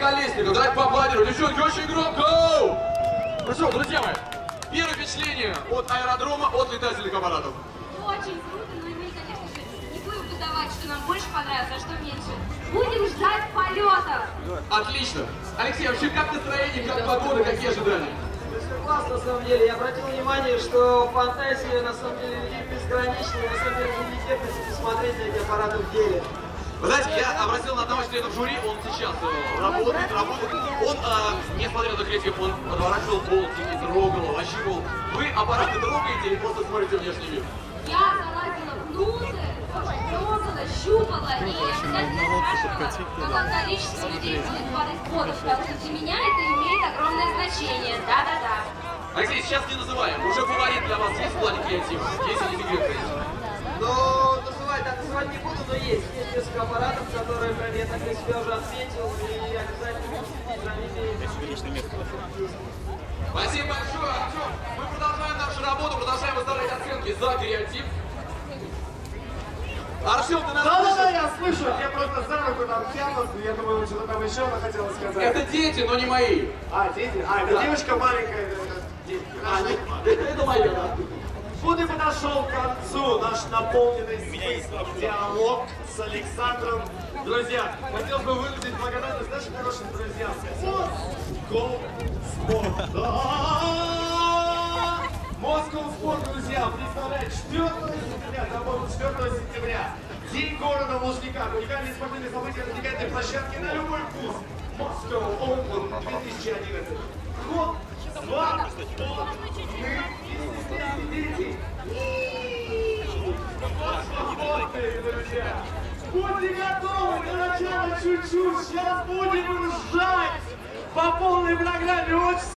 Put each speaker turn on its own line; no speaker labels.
Колесников. Давайте поаплодируем. Девчонки, очень громко! Ну что, друзья мои, первое впечатление от аэродрома, от летательных аппаратов.
Очень круто, но мы, конечно же, не будем выдавать, что нам больше понравилось, а что меньше. Будем ждать полета.
Отлично. Алексей, вообще как настроение, как погода, какие ожидания?
Все классно, на самом деле. Я обратил внимание, что фантазия на самом деле безграничная, на самом деле великолепно посмотреть на эти аппараты в деле.
Вы знаете, я обратил на одного члена жюри, он сейчас работает. Он, несмотря на критику, он подворачивал болтики, трогал, ощупывал. Вы аппараты трогаете или просто смотрите внешний вид?
Я залазила внутрь, тоже трогала, щупала и обязательно спрашивала, какое количество людей будет падать в воду, потому что для меня это имеет огромное значение. Да-да-да.
Алексей, сейчас не называем. Уже фаворит для вас есть в плане креатива? Если не секрет, конечно.
Но называть не буду, но есть несколько аппаратов, которые прям я так для себя уже отметил, и обязательно за ними.
Спасибо большое, Артем. Мы продолжаем нашу работу, продолжаем выставлять оценки за креатив. Артем, ты нас
Да,
слышишь?
я слышу, я просто за руку там тянут, я думаю, что-то там еще она хотела сказать.
Это дети, но не мои.
А, дети? А, это девочка маленькая,
Это моя, да.
Вот и подошел к концу наш наполненный смыслом диалог с Александром. Друзья, хотел бы выразить благодарность нашим хорошим друзьям. Москва Спорт. Москва Спорт, друзья, представляет 4 сентября, по-моему, 4 сентября. День города в Лужниках. Уникальные спортивные события на уникальной площадке на любой вкус. Moscow Open 2011. Ход, сват, друзья. Будьте готовы для начала чуть-чуть. Сейчас будем ржать по полной программе. Очень